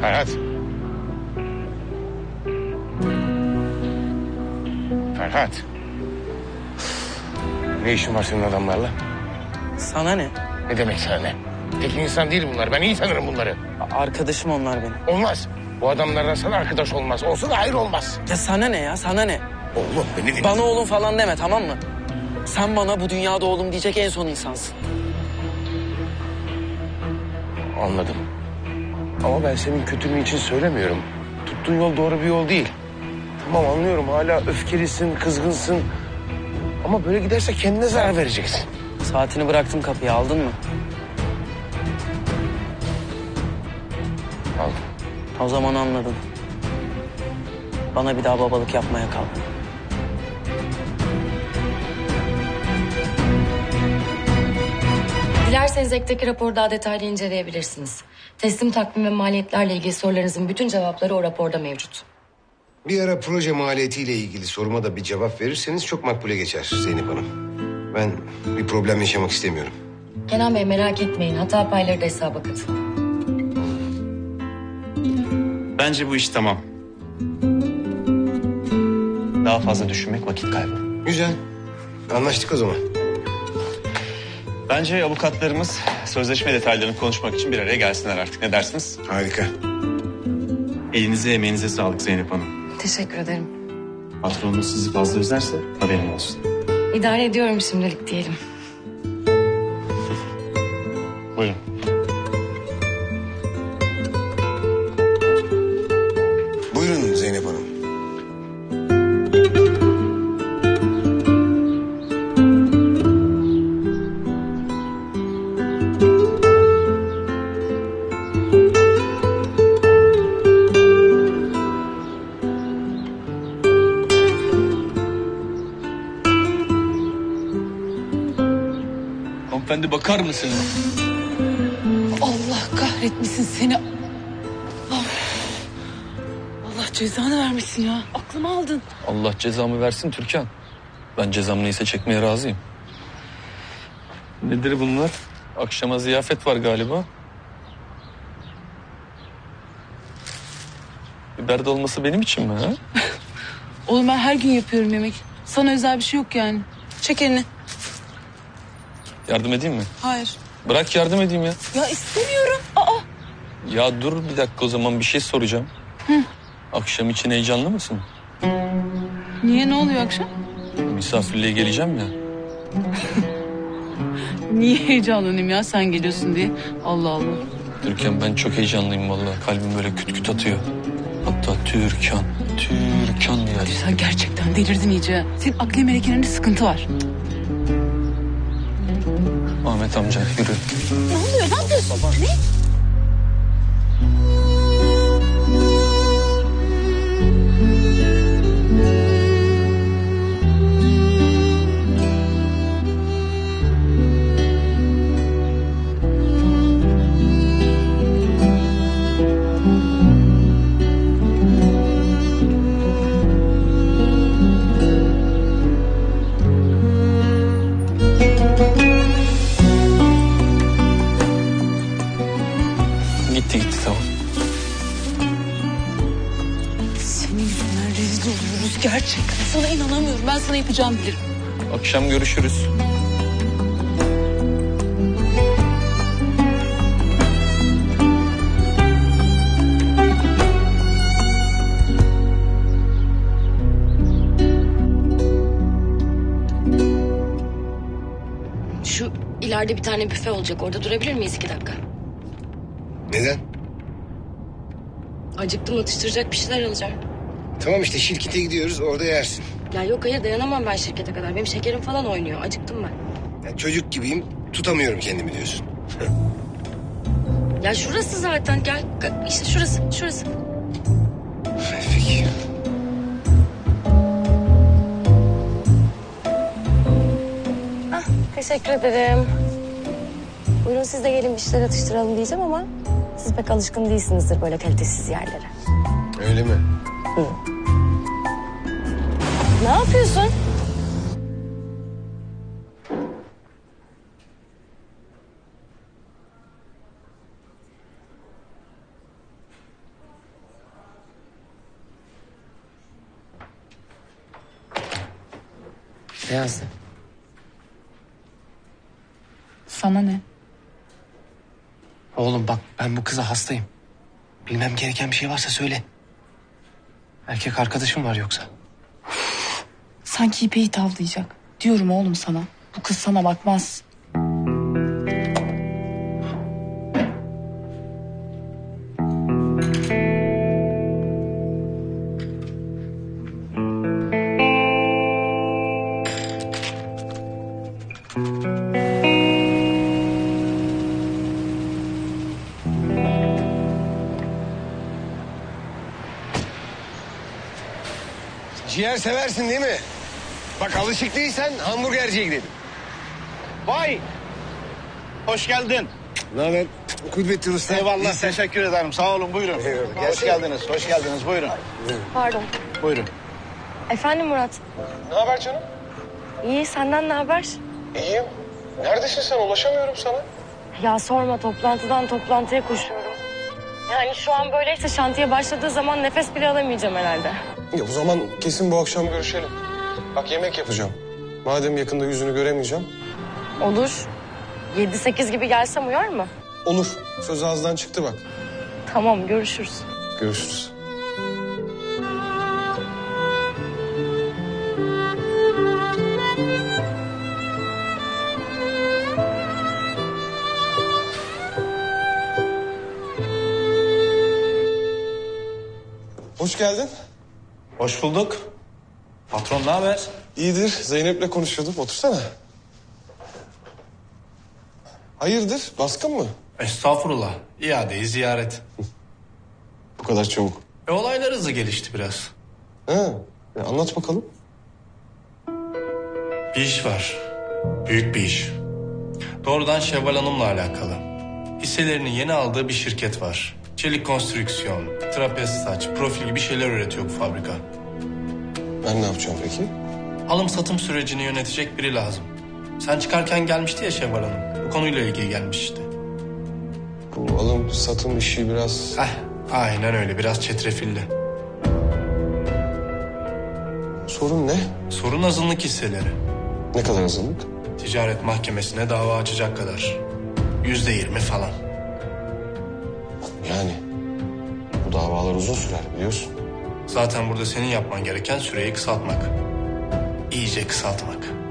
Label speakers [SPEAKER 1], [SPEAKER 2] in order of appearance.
[SPEAKER 1] Ferhat. Ferhat. Ne işin var senin adamlarla?
[SPEAKER 2] Sana ne?
[SPEAKER 1] Ne demek sana ne? Tek insan değil bunlar. Ben iyi tanırım bunları.
[SPEAKER 2] Arkadaşım onlar benim.
[SPEAKER 1] Olmaz. Bu adamlarla sana arkadaş olmaz. Olsa da hayır olmaz.
[SPEAKER 2] Ya sana ne ya? Sana ne?
[SPEAKER 1] Oğlum beni dinle.
[SPEAKER 2] Bana oğlum falan deme, tamam mı? Sen bana bu dünyada oğlum diyecek en son insansın.
[SPEAKER 1] Anladım. Ama ben senin kötülüğün için söylemiyorum. Tuttuğun yol doğru bir yol değil. Tamam anlıyorum, hala öfkelisin, kızgınsın. Ama böyle giderse kendine zarar vereceksin.
[SPEAKER 2] Saatini bıraktım kapıya, aldın mı?
[SPEAKER 1] Aldım.
[SPEAKER 2] O zaman anladın. Bana bir daha babalık yapmaya kal.
[SPEAKER 3] Dilerseniz ekteki raporu daha detaylı inceleyebilirsiniz. Teslim takvim ve maliyetlerle ilgili sorularınızın bütün cevapları o raporda mevcut.
[SPEAKER 4] Bir ara proje maliyetiyle ilgili soruma da bir cevap verirseniz çok makbule geçer Zeynep Hanım. Ben bir problem yaşamak istemiyorum.
[SPEAKER 3] Kenan Bey merak etmeyin. Hata payları da hesaba katın.
[SPEAKER 5] Bence bu iş tamam. Daha fazla düşünmek vakit kaybı.
[SPEAKER 4] Güzel. Anlaştık o zaman.
[SPEAKER 5] Bence avukatlarımız sözleşme detaylarını konuşmak için bir araya gelsinler artık. Ne dersiniz?
[SPEAKER 4] Harika.
[SPEAKER 5] Elinize emeğinize sağlık Zeynep Hanım.
[SPEAKER 3] Teşekkür ederim.
[SPEAKER 5] Patronunuz sizi fazla üzerse haberim olsun.
[SPEAKER 3] İdare ediyorum şimdilik diyelim.
[SPEAKER 5] Buyurun.
[SPEAKER 4] Buyurun Zeynep Hanım.
[SPEAKER 6] Hanımefendi bakar mısınız?
[SPEAKER 7] Allah kahretmesin seni. Ah. Allah cezanı vermesin ya. Aklımı aldın.
[SPEAKER 6] Allah cezamı versin Türkan. Ben cezam neyse çekmeye razıyım. Nedir bunlar? Akşama ziyafet var galiba. Biber dolması benim için mi ha?
[SPEAKER 7] Oğlum ben her gün yapıyorum yemek. Sana özel bir şey yok yani. Çek elini.
[SPEAKER 6] Yardım edeyim mi?
[SPEAKER 7] Hayır.
[SPEAKER 6] Bırak yardım edeyim ya.
[SPEAKER 7] Ya istemiyorum. Aa.
[SPEAKER 6] Ya dur bir dakika, o zaman bir şey soracağım. Akşam için heyecanlı mısın?
[SPEAKER 7] Niye, ne oluyor akşam?
[SPEAKER 6] Misafirliğe geleceğim ya.
[SPEAKER 7] Niye heyecanlanayım ya sen geliyorsun diye. Allah Allah.
[SPEAKER 6] Türkan ben çok heyecanlıyım vallahi. Kalbim böyle küt küt atıyor. Hatta Türkan diye.
[SPEAKER 7] Sen gerçekten delirdin iyice. Senin akli melekelerinde sıkıntı var.
[SPEAKER 6] Ahmet amca yürü.
[SPEAKER 7] Ne oluyor? Ne yapıyorsun? Ne?
[SPEAKER 6] Gitti tamam.
[SPEAKER 7] Senin yüzünden rezil oluyoruz gerçekten. Sana inanamıyorum. Ben sana yapacağımı bilirim.
[SPEAKER 6] Akşam görüşürüz.
[SPEAKER 3] Şu ileride bir tane büfe olacak. Orada durabilir miyiz 2 dakika?
[SPEAKER 4] Neden?
[SPEAKER 3] Acıktım, atıştıracak bir şeyler alacağım.
[SPEAKER 4] Tamam işte şirkete gidiyoruz, orada yersin.
[SPEAKER 3] Ya yok hayır, dayanamam ben şirkete kadar. Benim şekerim falan oynuyor. Acıktım ben.
[SPEAKER 4] Ya çocuk gibiyim, tutamıyorum kendimi diyorsun.
[SPEAKER 3] Ya şurası zaten, gel. İşte şurası.
[SPEAKER 4] Peki.
[SPEAKER 3] Teşekkür ederim. Buyurun siz de gelin bir şeyler atıştıralım diyeceğim ama... ...siz pek alışkın değilsinizdir böyle kalitesiz yerlere.
[SPEAKER 4] Öyle mi?
[SPEAKER 3] Ne yapıyorsun?
[SPEAKER 2] Ne yazdı?
[SPEAKER 7] Sana ne?
[SPEAKER 1] Oğlum bak ben bu kıza hastayım. Bilmem gereken bir şey varsa söyle. Erkek arkadaşım var yoksa.
[SPEAKER 7] Sanki İpek'i tavlayacak. Diyorum oğlum sana. Bu kız sana bakmaz.
[SPEAKER 4] Ciğer seversin değil mi? Bak alışık değilsen hamburgerciye gidelim.
[SPEAKER 8] Vay! Hoş geldin.
[SPEAKER 4] Ne haber? Kudretli Usta.
[SPEAKER 8] Eyvallah, teşekkür ederim. Sağ olun, buyurun.
[SPEAKER 4] Eyvallah.
[SPEAKER 8] Hoş geldiniz, hoş geldiniz. Buyurun.
[SPEAKER 3] Pardon.
[SPEAKER 8] Buyurun.
[SPEAKER 3] Efendim Murat.
[SPEAKER 4] Ne haber canım?
[SPEAKER 3] İyi senden ne haber?
[SPEAKER 4] İyiyim. Neredesin sen? Ulaşamıyorum sana.
[SPEAKER 3] Ya sorma toplantıdan toplantıya koşuyorum. Yani şu an böyleyse şantiye başladığı zaman nefes bile alamayacağım herhalde.
[SPEAKER 9] Ya o zaman kesin bu akşam görüşelim. Bak yemek yapacağım. Madem yakında yüzünü göremeyeceğim.
[SPEAKER 3] Olur. 7-8 gibi gelsem uyar mı?
[SPEAKER 9] Olur. Söz ağızdan çıktı bak.
[SPEAKER 3] Tamam görüşürüz.
[SPEAKER 9] Görüşürüz. Hoş geldin.
[SPEAKER 5] Hoş bulduk. Patron ne haber?
[SPEAKER 9] İyidir. Zeynep'le konuşuyordum. Otursana. Hayırdır? Baskın mı?
[SPEAKER 10] Estağfurullah. İadeyi ziyaret.
[SPEAKER 9] Bu kadar çabuk.
[SPEAKER 10] Olaylar hızlı gelişti biraz.
[SPEAKER 9] Ha, anlat bakalım.
[SPEAKER 10] Bir iş var. Büyük bir iş. Doğrudan Şevval Hanım'la alakalı. Hisselerini yeni aldığı bir şirket var. Çelik konstrüksiyon, trapez saç, profil gibi şeyler üretiyor bu fabrika.
[SPEAKER 9] Ben ne yapacağım peki?
[SPEAKER 10] Alım satım sürecini yönetecek biri lazım. Sen çıkarken gelmişti ya Şevval Hanım. Bu konuyla ilgili gelmiş işte.
[SPEAKER 9] Bu alım satım işi biraz...
[SPEAKER 10] Aynen öyle. Biraz çetrefilli.
[SPEAKER 9] Sorun ne?
[SPEAKER 10] Sorun azınlık hisseleri.
[SPEAKER 9] Ne kadar azınlık?
[SPEAKER 10] Ticaret mahkemesine dava açacak kadar. %20 falan.
[SPEAKER 9] Yani bu davalar uzun sürer biliyorsun.
[SPEAKER 10] Zaten burada senin yapman gereken süreyi kısaltmak. İyice kısaltmak.